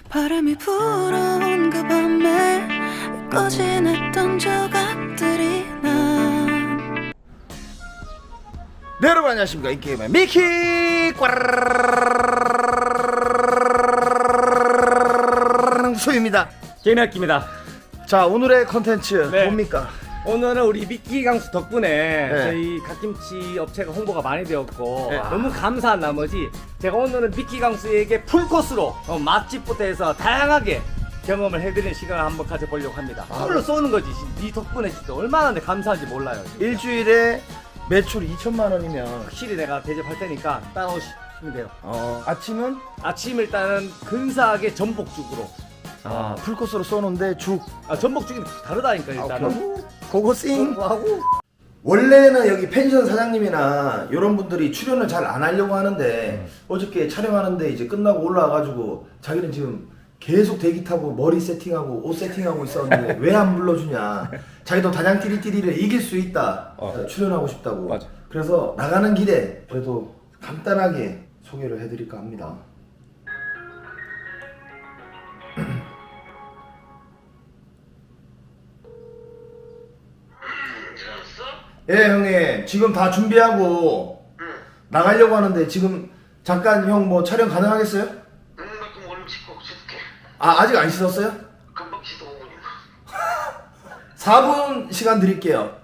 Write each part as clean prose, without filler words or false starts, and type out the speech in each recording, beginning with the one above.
바람이 불어온 그 밤에 꺼진 했던 조각들이 난. 네, 여러분 안녕하십니까. 인게임의 미키 수입니다. 개미학기입니다. 자, 오늘의 컨텐츠 네. 뭡니까? 오늘은 우리 미끼 강수 덕분에 네. 저희 갓김치 업체가 홍보가 많이 되었고 네. 너무 감사한 나머지 제가 오늘은 미끼 강수에게 풀코스로 맛집부터 해서 다양하게 경험을 해드리는 시간을 한번 가져보려고 합니다. 풀로 쏘는 거지. 네 덕분에 진짜 얼마나 내 감사한지 몰라요. 진짜. 일주일에 매출 2천만 원이면 확실히 내가 대접할 테니까 따라오시면 돼요. 아침은 아침 일단은 근사하게 전복죽으로. 풀코스로 쏘는데 죽. 전복죽이 다르다니까 일단은. 고고싱. 하고. 원래는 여기 펜션 사장님이나 이런 분들이 출연을 잘 안 하려고 하는데 어저께 촬영하는데 이제 끝나고 올라와가지고 자기는 지금 계속 대기 타고 머리 세팅하고 옷 세팅하고 있었는데 왜 안 불러주냐. 자기도 단양 띠리띠리를 이길 수 있다. 출연하고 싶다고. 맞아. 그래서 나가는 길에 그래도 간단하게 소개를 해드릴까 합니다. 예, 형님. 지금 다 준비하고 나가려고 하는데 지금 잠깐 형 뭐 촬영 가능하겠어요? 나 그럼 얼른 씻고 씻을게. 아직 안 씻었어요? 금방 씻어 5분이면. 4분 시간 드릴게요.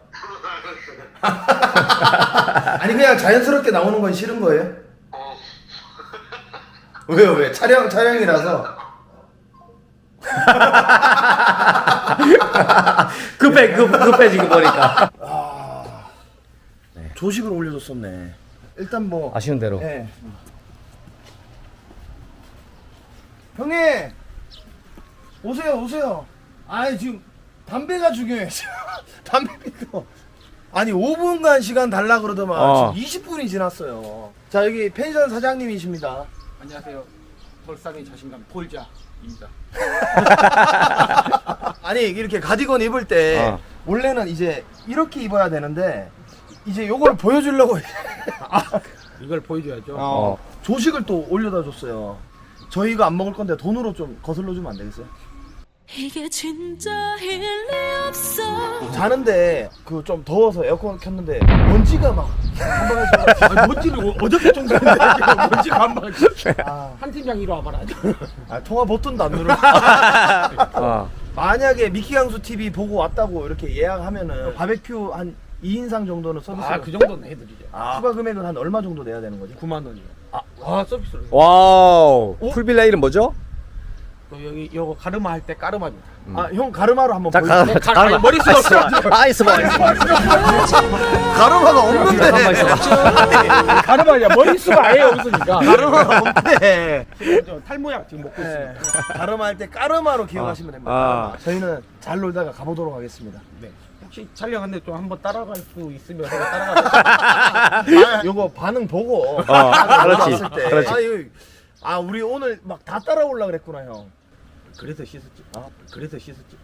아니 그냥 자연스럽게 나오는 건 싫은 거예요? 왜요? 왜? 촬영이라서. 급해 지금 보니까. 조식을 올려줬었네. 일단 뭐 아쉬운 대로. 예. 형님 오세요. 아니 지금 담배가 중요해. 담배 피고. 아니 5분간 시간 달라 그러더만 지금 20분이 지났어요. 자, 여기 펜션 사장님이십니다. 안녕하세요. 돌상의 자신감 폴자입니다. 아니 이렇게 가디건 입을 때 원래는 이제 이렇게 입어야 되는데 이제 요걸 보여주려고 이걸 보여줘야죠. 조식을 또 올려다 줬어요. 저희 이거 안 먹을 건데 돈으로 좀 거슬러 주면 안 되겠어요? 이게 진짜 일리 없어. 자는데 그 좀 더워서 에어컨 켰는데 먼지가 막 한방에서 아니, 먼지를 어저께 정도인데 먼지가 한 방. 아, 한 팀장 이리 와봐라. 통화 버튼도 안 누르고 만약에 미키강수 TV 보고 왔다고 이렇게 예약하면은 바베큐 한 2인상 정도는 서비스로 그 정도는 해드리죠. 추가 금액은 한 얼마 정도 내야 되는 거지? 9만 원이요. 와 서비스로. 와우. 풀빌라 이름 뭐죠? 또 여기 요거 가르마 할 때 까르마입니다. 형 가르마로 한번 보여주세요. 아니, 머릿수가 없어. 있어봐. 가르마가 없는데 가르마야 머릿수가 아예 없으니까. 가르마가 없는데 탈모약 지금 먹고 있습니다. 가르마 할 때 까르마로 기억하시면 됩니다. 저희는 잘 놀다가 가보도록 하겠습니다. 네. 혹시 촬영하는데 좀 한번 따라갈 수 있으면 제가 따라가서. 요거 반응 보고 그렇지. 왔을 때. 그렇지. 우리 오늘 막 다 따라올라 그랬구나 형. 그래서 씻었지. 그래서 씻었지.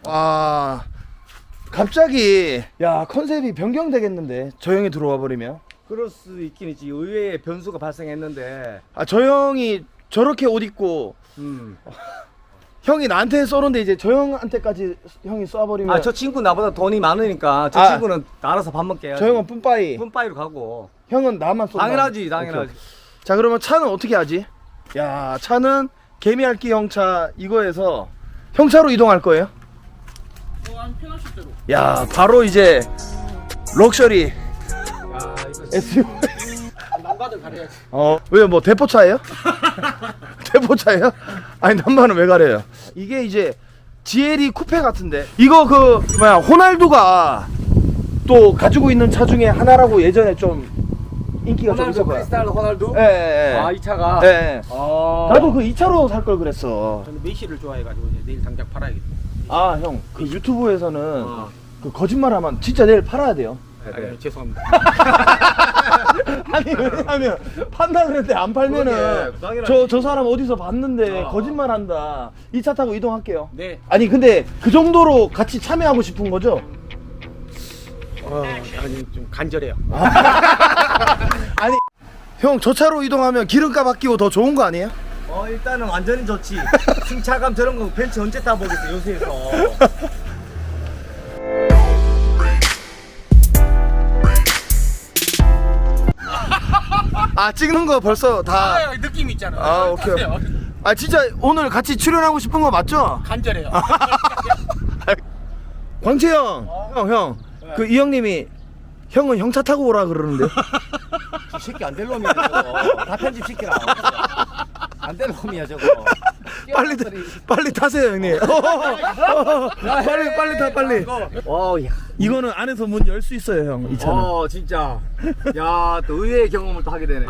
갑자기 야 컨셉이 변경되겠는데 저 형이 들어와 버리면. 그럴 수 있긴 있지. 의외의 변수가 발생했는데. 저 형이 저렇게 옷 입고 형이 나한테 쏘는데 이제 저 형한테까지 형이 쏴버리면 저 친구 나보다 돈이 많으니까 저 친구는 알아서 밥 먹게 해야지. 저 형은 뿜빠이, 뿜빠이로 가고. 형은 나만 쏜다. 당연하지. 오케이. 자, 그러면 차는 어떻게 하지? 야, 차는 개미알기 형차 이거에서 형차로 이동할 거예요? 안 편하실 대로. 야, 바로 이제 럭셔리 이거 SUV. 남가들 가려야지. 왜요? 뭐 대포차예요? 대포차예요? 아니 남반은 왜 가려요? 이게 이제 GLE 쿠페 같은데 이거 호날두가 또 가지고 있는 차 중에 하나라고 예전에 좀 인기가 좀 있었어요. 크리스탈로 호날두? 예. 이 차가. 예. 나도 그 2차로 살 걸 그랬어. 저는 메시를 좋아해가지고 이제 내일 당장 팔아야겠다. 형, 그 유튜브에서는 그 거짓말하면 진짜 내일 팔아야 돼요. 죄송합니다. 아니 왜냐면 판다 그랬는데 안 팔면은 저 사람 어디서 봤는데 거짓말한다. 이 차 타고 이동할게요. 네. 아니 근데 그 정도로 같이 참여하고 싶은 거죠? 아니 좀 간절해요. 아니 형 저 차로 이동하면 기름값 아끼고 더 좋은 거 아니에요? 일단은 완전히 좋지. 승차감 저런 거 벤츠 언제 타보겠어 요새에서. 아 찍는 거 벌써 다. 느낌 있잖아. 아 오케이. 아 진짜 오늘 같이 출연하고 싶은 거 맞죠? 간절해요. 광채 형, 그 이 형님이 형은 형차 타고 오라 그러는데. 이 새끼 안 될 놈이야 저거. 다 편집시키라. 안 될 놈이야 저거. 빨리 타세요 형님. 빨리 타 빨리. 야. 이거는 안에서 문 열 수 있어요 형 이 차는. 진짜. 야, 또 의외의 경험을 또 하게 되네.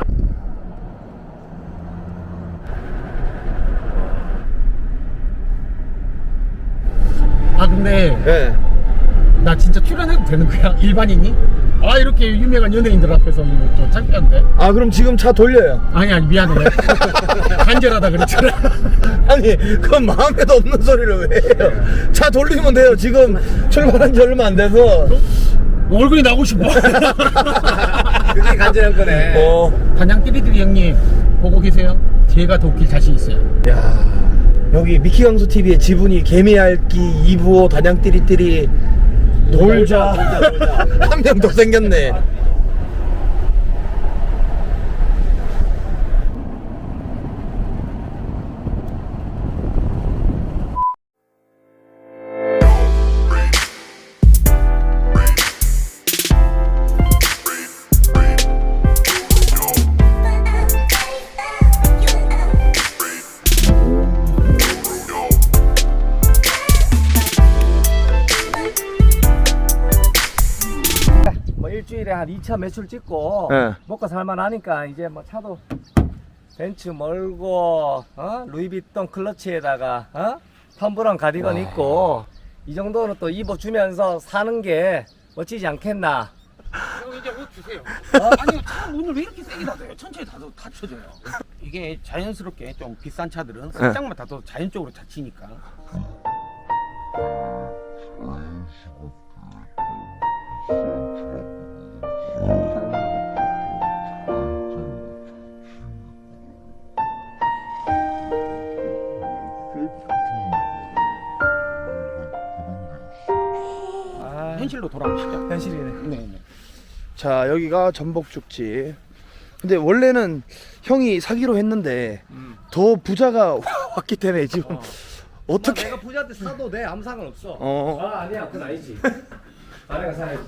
아 근데 네. 나 진짜 출연해도 되는 거야? 일반인이? 아 이렇게 유명한 연예인들 앞에서 이거 또 창피한데? 아 그럼 지금 차 돌려요. 아니 미안해. 간절하다 그랬잖아. 아니 그건 마음에도 없는 소리를 왜 해요. 차 돌리면 돼요. 지금 출발한 지 얼마 안 돼서. 얼굴이 나오고 싶어. 그게 간절한 거네. 단양 띠리띠리 형님 보고 계세요? 제가 더 웃길 자신 있어요. 야 여기 미키강수 TV의 지분이 개미알기 2부호 단양띠리띠리 놀자. 한 명 더 생겼네. 뭐 일주일에 한 2차 매출 찍고 네. 먹고 살만하니까 이제 뭐 차도 벤츠 멀고 루이비통 클러치에다가 탐브라운 가디건 입고 이 정도는 또 입어주면서 사는 게 멋지지 않겠나. 형 이제 옷 주세요. 아니 차 문을 왜 이렇게 세게 닫아요? 천천히 닫혀져요. 이게 자연스럽게 좀 비싼 차들은 살짝만 닫아도 자연적으로 닫히니까. 현실로 돌아오시죠. 현실이네. 네. 자 여기가 전복죽집. 근데 원래는 형이 사기로 했는데 더 부자가 왔기 때문에 지금 어떻게 내가 부자한테 사도 돼. 아무 상관없어. 아니야 그건 아니지. 아내가 사야지.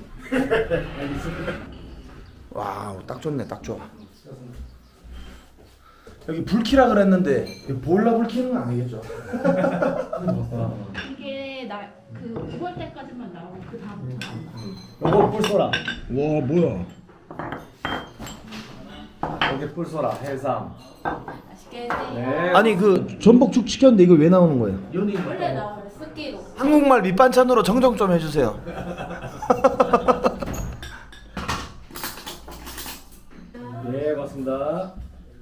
와우 딱 좋네 딱 좋아. 여기 불키라 그랬는데 보일러 불 켜는 건 아니겠죠? 이게 그 9월 때까지만 나오고 그 다음부터 안 나와. 요거 뿔소라. 와 뭐야? 여기 뿔소라 해삼. 맛있게 드세요. 네. 아니 그 전복죽 시켰는데 이거 왜 나오는 거예요? 원래 나와요. 습기로. 한국말 밑반찬으로 정정 좀 해주세요. 네 고맙습니다.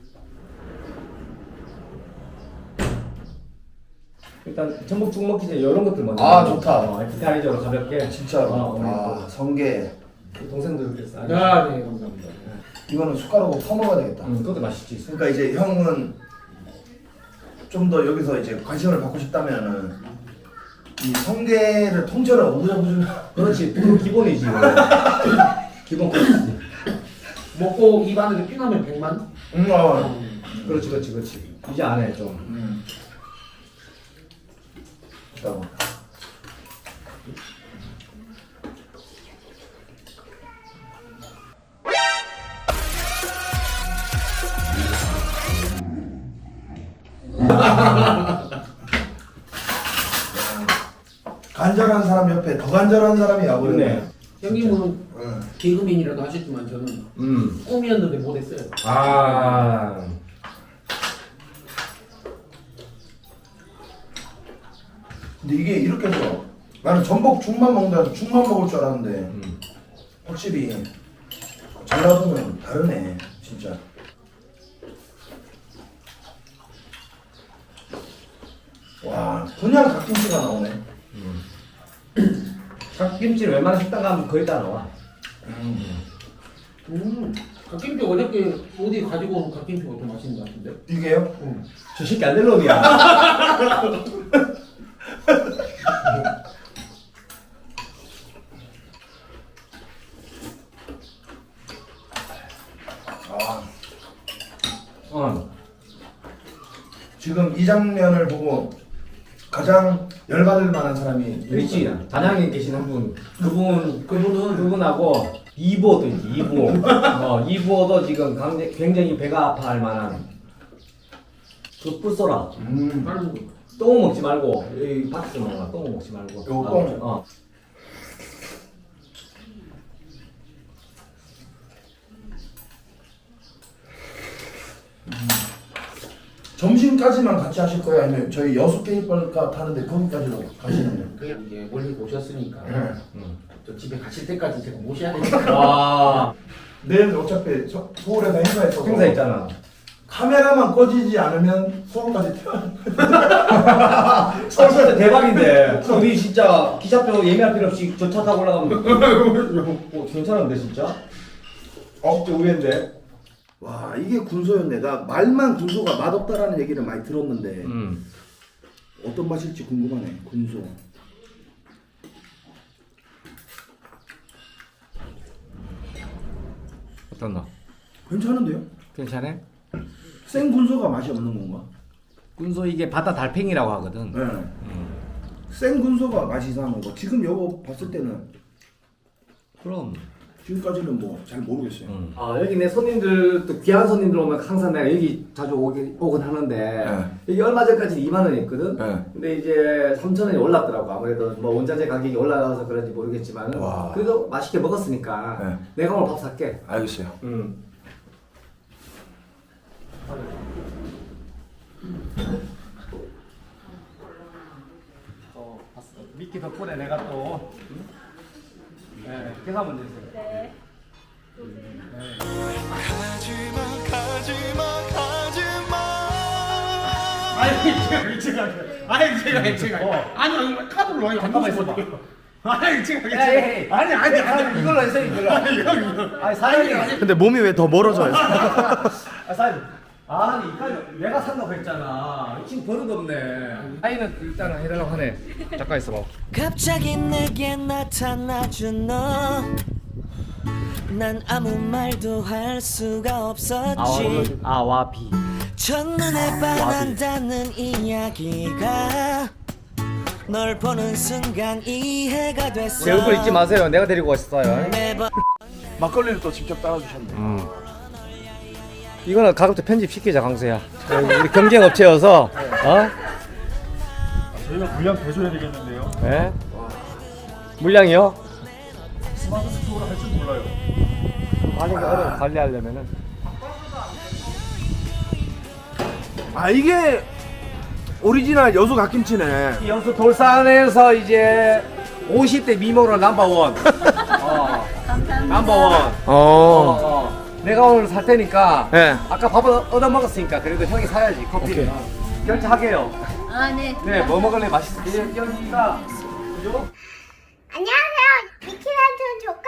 일단 전복죽 먹기 전에 이런 것들 먼저. 아, 좋다. 기타리저로 가볍게. 진짜로. 오늘 아 성게. 또 동생들 이렇게 싸. 네 감사합니다. 이거는 숟가락으로 퍼먹어야 되겠다. 그것도 맛있지. 그러니까 이제 형은 좀 더 여기서 이제 관심을 받고 싶다면은 이 성게를 통째로 오부자부자. 그렇지. 그건 기본이지. 기본 코스지. 먹고 입 안에 피나면 100만? 그렇지. 이제 안 해 좀. 있다고. 간절한 사람 옆에 더 간절한 사람이 와버리네. 형님은 개그맨이라도 하셨지만 저는 꿈이었는데 못했어요. 근데 이게 이렇게 해서 나는 전복죽만 먹는다 죽만 먹을 줄 알았는데 확실히 전라도는 다르네 진짜. 와 그냥 갓김치가 나오네. 닭김치를 웬만한 식당 가면 거의 다 나와. 갓김치 어저께 어디 가지고 온 갓김치가 좀 맛있는 것 같은데? 이게요? 저 새끼 안 될 놈이야. 지금 이 장면을 보고 가장 열받을 만한 사람이 있지. 단양에 계신 한 분. 그분하고 이부호도 있지. 이부호. 이부호도 지금 굉장히 배가 아파할 만한. 그 뿔소라. 빨리 똥 먹지 말고 여기 밖에서 먹어. 똥 먹지 말고. 요 똥? 점심까지만 같이 하실 거예요? 아니면 저희 여수 게임벌가 타는데 거기까지도 가시는 거예요? 그냥 이제 멀리 오셨으니까 네. 또 집에 가실 때까지 제가 모셔야 되니까. 와. 내일 어차피 서울에서 행사했어. 행사 있잖아. 카메라만 꺼지지 않으면 서울까지 태워. 서울 진짜 대박인데. 우리 진짜 기차표 예매할 필요 없이 저 차 타고 올라가면 괜찮은데 진짜? 진짜 의외인데. 와 이게 군소였네. 나 말만 군소가 맛없다라는 얘기를 많이 들었는데 어떤 맛일지 궁금하네. 군소. 어떤 거? 괜찮은데요? 괜찮아? 생 군소가 맛이 없는 건가? 군소 이게 바다 달팽이라고 하거든. 네. 생 군소가 맛이 이상한 거고 지금 이거 봤을 때는 그럼. 지금까지는 뭐 잘 모르겠어요. 여기 내 손님들 또 귀한 손님들 오면 항상 내가 여기 자주 오긴 하는데 여기 얼마 전까지 2만 원이었거든. 근데 이제 3,000원이 올랐더라고. 아무래도 뭐 원자재 가격이 올라가서 그런지 모르겠지만 그래도 맛있게 먹었으니까 내가 오늘 밥 살게. 알겠어요. 봤어. 미끼 덕분에 내가 또 계산 문제 있어요. 네. 아니 제가 아니 카드로 와요. 잠깐만 있어봐. 아니 제가 아니 이걸로 해서 이걸로. 아니 사장님. 근데 몸이 왜 더 멀어져요? 사장님. 아니 이까지 내가 산다고 했잖아. 지금 버릇없네. 아이는 일단은 해달라고 하네. 잠깐 있어봐. 갑자기 내게 나타나준 너 난 아무 말도 할 수가 없었지 아와비. 첫눈에 반한다는 이야기가 널 보는 순간 이해가 됐어 제 얼굴 잊지 마세요. 내가 데리고 왔어요. 매번 막걸리를 또 직접 따라주셨네. 이거는 가급적 편집 시키자 강수야. 우리 경쟁 업체여서 저희가 물량 배줘야 되겠는데요. 네? 물량이요? 스마트 스토어를 할 줄 몰라요. 관리하려면은 아 이게 오리지널 여수 갓김치네. 여수 돌산에서 이제 50대 미모로 넘버원. 넘버원. 내가 오늘 살 테니까 아까 밥을 얻어 먹었으니까 그래도 형이 사야지 커피. 결제하게요. 네. 네, 뭐 먹을래? 맛있어. 여기가 그죠? 안녕하세요. 미키란촌 조카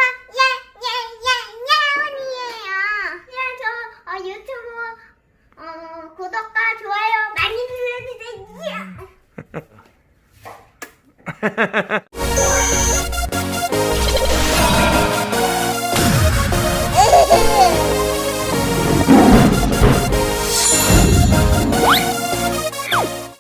예예예예원이에요. 유튜브 구독과 좋아요 많이 눌러주세요.